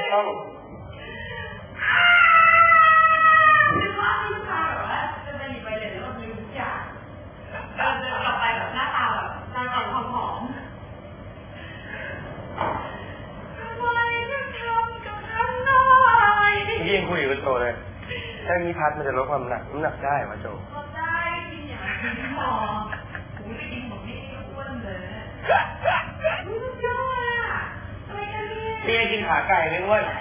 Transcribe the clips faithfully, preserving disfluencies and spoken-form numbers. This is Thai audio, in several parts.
ต้องยิ่งคุยกับโจเลยถ้ามีพัดมันจะลดความหนักน้ำหนักได้ไหมโจลดได้กินอย่างนี้หมอกูจะกินของนี่อ้วนเลยรู้สึกยอดอ่ะอะไรกันเนี่ยนี่กินขาไก่ไม่อ้วน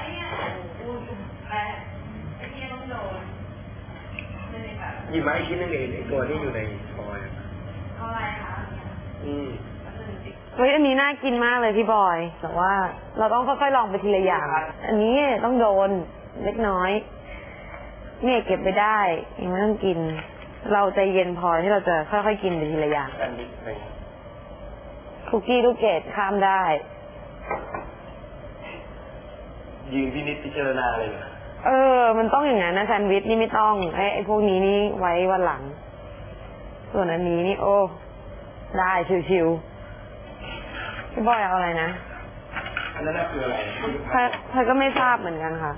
หยิบมาอีกชิ้นนึงเองตัวนี้อยู่ในฟอยล์อะไรคะอืมเฮ้ยอันนี้น่ากินมากเลยพี่บอยแต่ว่าเราต้องค่อยๆลองไปทีละอย่างอันนี้ต้องโดนเล็กน้อยเนี่ยเก็บไปได้ยังไม่ต้องกินเราใจเย็นพอที่เราจะค่อยๆกินไปทีละอย่างคุกกี้ลูกเกดข้ามได้ยืนพินิจพิจารณาเลยเออมันต้องอย่างนั้นนะแซนด์วิชนี่ไม่ต้องไอ้ไอ้พวกนี้นี่ไว้วันหลังส่วนอันนี้นี่โอ้ได้ชิวๆพี่บอยเอาอะไรนะอันนั้นคืออะไรเธอก็ไม่ทราบเหมือนกันค่ะ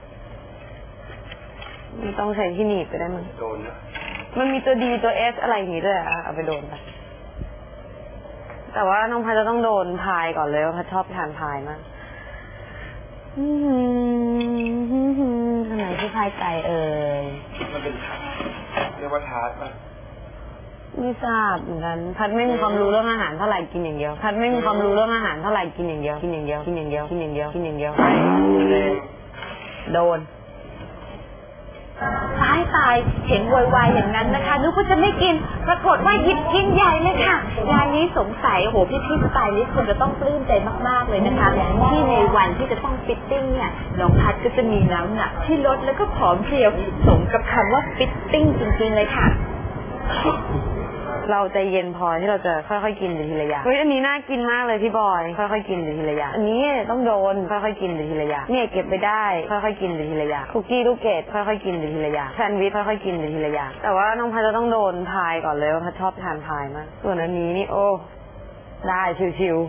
ไม่ต้องใช้ที่หนีบไปได้มั้ยโดนนะมันมีตัวดีตัวเอสอะไรอย่างนี้ด้วยอ่ะเอาไปโดนไปแต่ว่าน้องพัดจะต้องโดนพายก่อนเลยว่าพัดชอบทานพายมากทำไมที่พายไก่เอ่ยมันเป็นทาร์ตเรียกว่าทาร์ตป่ะไม่ทราบเหมือนกันพัดไม่มีความรู้เรื่องอาหารเท่าไหร่กินอย่างเดียวพัดไม่มีความรู้เรื่องอาหารเท่าไหร่กินอย่างเดียวกินอย่างเดียวกินอย่างเดียวกินอย่างเดียวกินอย่างเดียวโดนตายตายเห็นวายๆอย่างนั้นนะคะนึกว่าจะไม่กินปรากฏว่าหยิบกินใหญ่เลยค่ะงานนี้สงสัยโหพี่พี่สไตลิสต์คนจะต้องปลื้มใจมากๆเลยนะคะที่ในวันที่จะต้องฟิตติ้งเนี่ยน้องพัดก็จะมีน้ำหนักที่ลดแล้วก็ผอมเพรียวสมกับคำว่าฟิตติ้งจริงๆเลยค่ะเราใจเย็นพอที่เราจะค่อยๆกินไปทีละอย่างเฮ้ยอันนี้น่ากินมากเลยพี่บอยค่อยๆกินไปทีละอย่างอันนี้ต้องโดนค่อยๆกินไปทีละอย่างเนี่ยเก็บไปได้ค่อยๆกินไปทีละอย่างคุกกี้ลูกเกดค่อยๆกินไปทีละอย่างแซนด์วิชค่อยๆกินไปทีละอย่างแต่ว่าน้องพัดจะต้องโดนพายก่อนเลยว่าพัดชอบทานพายมากส่วนอันนี้นี่โอ้ได้ชิว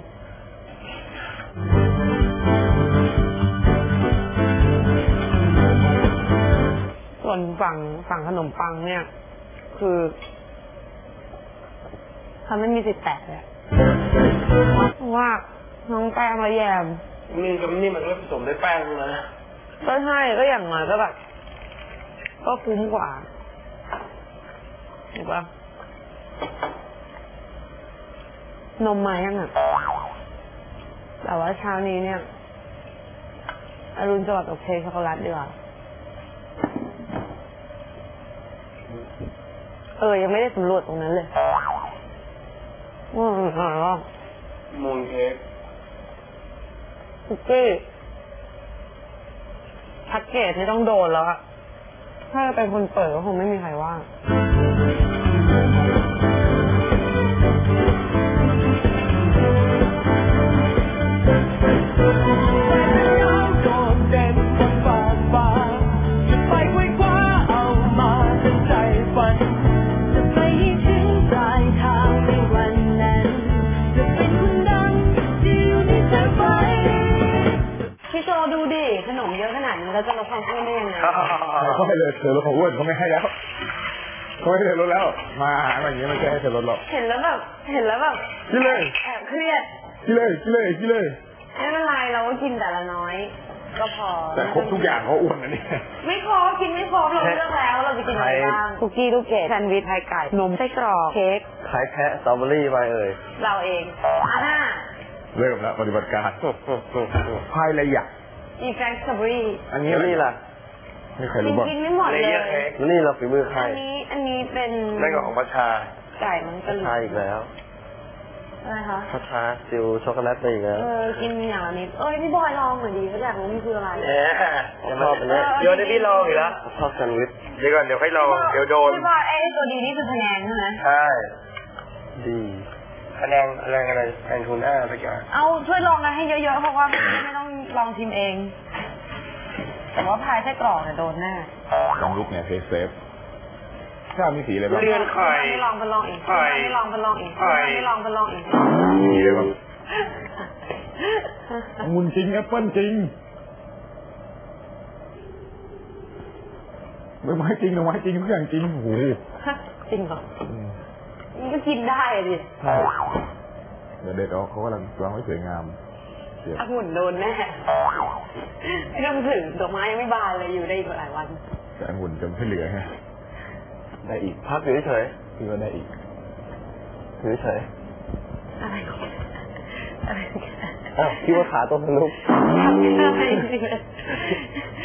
ๆส่วนฝั่งฝั่งขนมปังเนี่ยคือทำไม่มีสิทธิ์แตะเลยเพราะว่าน้องแป้งละแยมนี่กับนี่มันก็ผสมด้วยแป้งนะก็ใช่ก็อย่างน้อยก็แบบก็คุ้มกว่าถูกปะนมมายังอ่ะแต่ว่าเช้านี้เนี่ยอรุณสวัสดิ์กับเค้กช็อกโกแลตดีกว่าเออยังไม่ได้สำรวจตรงนั้นเลยอืมอร่อยมูนเค้กคุกกี้แพ็กเกจนี่ต้องโดนแล้วอะถ้าเป็นคนเปิดก็คงไม่มีใครว่าเราจะลดความอ้วนได้ยังไงเขาไม่เลยเธอลดความอ้วนเขาไม่ให้แล้วเขาไม่ให้เธอลดแล้วมาอาหารอย่างนี้ไม่ใช่ให้เธอลดหรอกเห็นแล้วแบบเห็นแล้วแบบกินเลยแอบเครียดกินเลยกินเลยกินเลยไม่เป็นไรเราก็กินแต่ละน้อยก็พอแต่ครบทุกอย่างเขาอ้วนนะนี่ไม่ครบกินไม่ครบเราเลือกแล้วเราจะกินอะไรบ้างคุกกี้ลูกเกดแซนด์วิชไข่ไก่นมไส้กรอกเค้กไข่แพะสตรอเบอรี่ไปเอ่ยเราเองอ่าเริ่มแล้วปฏิบัติการพายระยะอีแฟงสตรอเบอรี่อันนี้นี่ล่ะไม่เคยรู้บ้างกินไม่หมดเลยนี่เราฝีมือใครอันนี้อันนี้เป็นนั่นก็ของพัชชาไก่มันกระชาอีกแล้วอะไรคะพัชชาซิลช็อกโกแลตไปอีกแล้วเออกินอย่างละนิดเอ้ยพี่บอยลองหน่อยดีเขาอยากรู้มันคืออะไรเอ๊ะชอบเลยเดี๋ยวได้พี่ลองอีกแล้วชอบแซนด์วิชเดี๋ยวก่อนเดี๋ยวให้ลองเดี๋ยวโดนพี่บอยไอ้ตัวดีนี่คือคะแนนใช่ไหมใช่ดีคะแนนอะไรอะไรแอนทูน่าไปก่อนเอาช่วยลองกันให้เยอะๆเพราะว่าไม่ต้องลองชิมเองแต่ว่าพายไส้กรอกเนี่ยโดนแน่ลองลุกเนี่ยเซฟเซฟข้าวมีสีอะไรบ้างเรียนไข่ไม่ลองไปลองอีกไม่ลองไปลองอีกไม่ลองไปลองอีกมีอะไรบ้างองุ่นจริงแอปเปิ้ลจริงดอกไม้จริงดอกไม้จริงทุกอย่างจริงโอ้โหจริงเหรออืมมันก็กินได้ดิใช่เดี๋ยวเด็ดออกเขากำลังวางไว้สวยงามเดี๋ยวองุ่นโดนแน่ไม่ต้องถึงดอกไม้ยังไม่บานเลยอยู่ได้อีกหลายวันแต่องุ่นจะไม่เหลือฮะได้อีกพักอยู่เฉยคือว่าได้อีกๆอยู่เฉยอะไรของอะไรของๆอ้าวคิดว่าขาตัวทะลุทำไม่ได้จริงๆ